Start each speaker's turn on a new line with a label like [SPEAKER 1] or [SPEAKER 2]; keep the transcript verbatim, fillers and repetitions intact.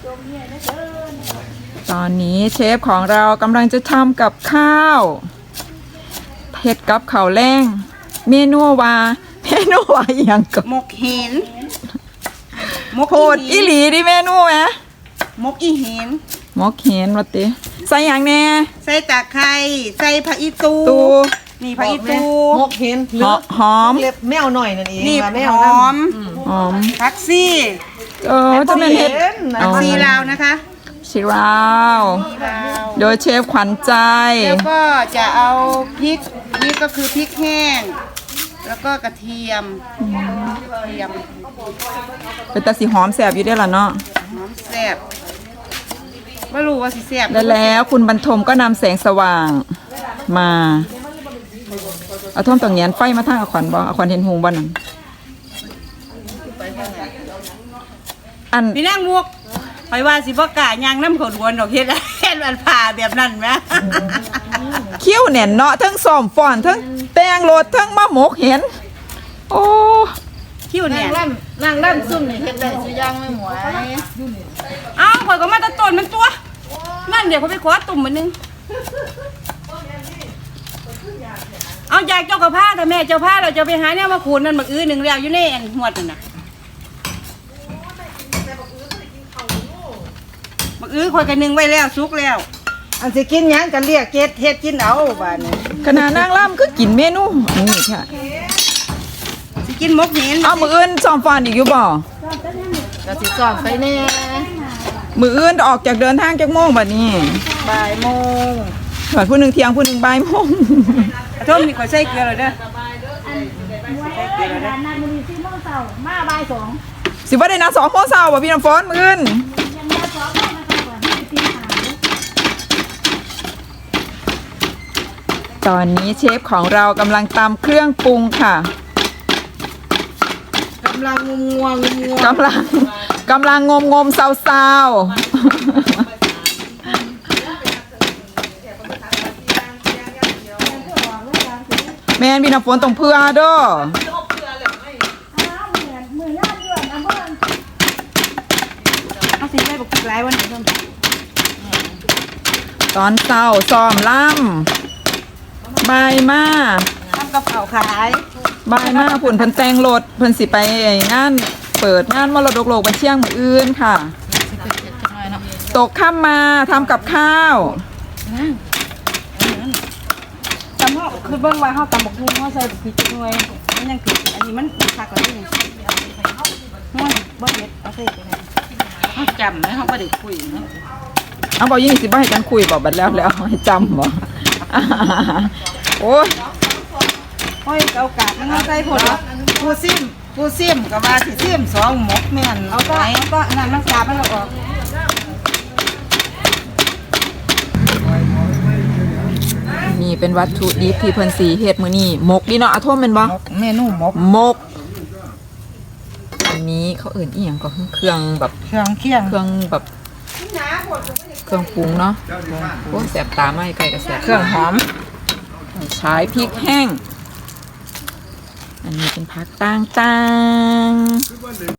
[SPEAKER 1] ตอนนี้เชฟของเรากำลังจะทำกับข้าวเผ็ดกับข้าวแรงเมนูว่าเมนูว่าอย่างกับ
[SPEAKER 2] หมกเห็นหมก
[SPEAKER 1] โพดอีหลีดิเมนูไหม
[SPEAKER 2] หมกอีเห็น
[SPEAKER 1] หมกเห็นวัดติใส่อย่างแน่
[SPEAKER 2] ใส่ตะไคร้ใส่ผักอีตู
[SPEAKER 1] ตู
[SPEAKER 2] นี่ผักอีตู
[SPEAKER 3] หมกเห็น
[SPEAKER 1] หอหอม
[SPEAKER 3] เล็บแมวหน่อยนั่นเอง
[SPEAKER 2] นี่
[SPEAKER 3] ว่าแม
[SPEAKER 2] ห
[SPEAKER 3] ว
[SPEAKER 2] อม
[SPEAKER 1] หอม
[SPEAKER 2] ผักซี่
[SPEAKER 1] เออจะเป็นเห็ด
[SPEAKER 2] ผักซีลาวนะคะ
[SPEAKER 1] ชิราว
[SPEAKER 2] ซีลาว
[SPEAKER 1] โดยเชฟขวัญใจ
[SPEAKER 2] แล้วก็จะเอาพริกนี่ก็คือพริกแห้งแล้วก็กระเทียมกระเทียม
[SPEAKER 1] เป็นตาสีหอมแสบอยู่ได้อล่ะเนาะ
[SPEAKER 2] หอมแซ่บไม่รู้ว่าสิแซ่บ
[SPEAKER 1] และแล้วคุณบรรทมก็นำแสงสว่างมาเอาท่อมตรงเงียนไฟมาทางอาขวัญบ่อาขวัญเห็นหงบ่นั่นอัน
[SPEAKER 2] พี่นั่งมุกไปว่าสิบ่กล้ายางน้ำเขาดวนดอกเฮ็ดเฮ็ดมันผ่าแบบนั้นไหม
[SPEAKER 1] คิ้วแน่นเนาะทั้งซ้อมฟ้อนทั้งแต่งโลดทั้งมะหมกเห็น โอ้
[SPEAKER 2] คิ้วเนี่ย
[SPEAKER 3] ล่ำนางล่ำซุ่มนี่เฮ็ดได้สุย่างไม่หมวย
[SPEAKER 2] เอ้าข่อยก็มาตะต้นมันตัว นั่นเดี๋ยวเขาไปขอตุ่มมันนึงเอาอยากเจ้ากับผ้าแต่แม่เจ้าผ้าเราจะไปหาเนี่ยมาขูดนั่นบักอื้อหนึ่งแล้วอยู่ในอันหัวนั่นน่ะบักอื้อข่อยกันหนึ่งไว้แล้วซุกแล้ว
[SPEAKER 3] อันสิกินหยังกันเรียกเกดเฮ็ดกินเอาบ้านนี้
[SPEAKER 1] ขนาดนางล่ำคือกินเมนูอันนี้ค่ะ
[SPEAKER 2] สิกินมกเห็น
[SPEAKER 1] เอามืออื่นซ้อมฟ้อนอีกอยู่บ่
[SPEAKER 3] ก็สิสอนไปแน่
[SPEAKER 1] มืออื่นออกจากเดินทางจากโมงบัดนี้
[SPEAKER 3] บ่ายโมง
[SPEAKER 1] ส่วนผู้หนึ่งเที่ยงผู้หนึ่งบ่ายโมง
[SPEAKER 2] กระทมนี่ข่อยใส่เกลือเลยเด้อ
[SPEAKER 4] ร้านนาบุรีซีโมงเสามาบ่ายสอง
[SPEAKER 1] สิว่าได้นะสองโมงเช้าบ่พี่น้ำฝนมืออื่น
[SPEAKER 4] ยังมาสองโมงนะคะก่อนที่จะตีหา
[SPEAKER 1] ตอนนี้เชฟของเรากำลังตำเครื่องปรุงค่ะ
[SPEAKER 3] กำลังงวงงวงงวง
[SPEAKER 1] กำลังกำลังงมงมๆเศร้าๆแมนพี่น้ำฝนตรงเพื่อเด้อ
[SPEAKER 4] อ้าวเหมือนมือย่านด่วนอำเภอ
[SPEAKER 2] เอาสิได้บักพริกหลายวันไหนเพิ่ม
[SPEAKER 1] ตอนเศร้าซ้อมล่ำบายมา
[SPEAKER 2] ทำกับข้าวขาย
[SPEAKER 1] บายมาผุ่นเพิ่นแต่งรถเพิ่นสิไปงานเปิดงานมรดกโลกบันเชียงมืออื่นค่ะตกค่ำมาทำกับข้าว
[SPEAKER 2] ตำเขาคือเบิ่งว่าเขาตำบักหุ่งเขาใส่บักพริกหน่วยมันยังผิดอันนี้มันคักกว่านี้ห้วยบ่เด็ดเอาใส่ไปเลยเขาจำไหมเขาบ่ได้คุยเนาะ
[SPEAKER 1] เอาบอกยี่สิบบ่ให้กันคุยบอกบัดแล้วแล้วให้จำบ่โอ้ย
[SPEAKER 2] ห้อยเอากาดมันเอาใส่ผลผู้ซิมผู้ซิมก็ว่าสิซิมสองหมกแม่นเอาก็เอาก็อันนั้นมันกาดมันเอาออก
[SPEAKER 1] นี่เป็นวัตถุดิบที่เพิ่นสีเฮ็ดมื้อนี้หมกดีเนาะอาท่วมแม่นบ่
[SPEAKER 2] เมนูหมก
[SPEAKER 1] หมกอันนี้เขาเอิ่นอีหยังก็เครื่องแบบ
[SPEAKER 2] เครื่องเคียง
[SPEAKER 1] เครื่องแบบเครื่องปรุงเนาะโอ้แสบตาไหมไก่ก็แสบเครื่องหอมใช้พริกแห้งอันนี้เป็นผักต่างๆ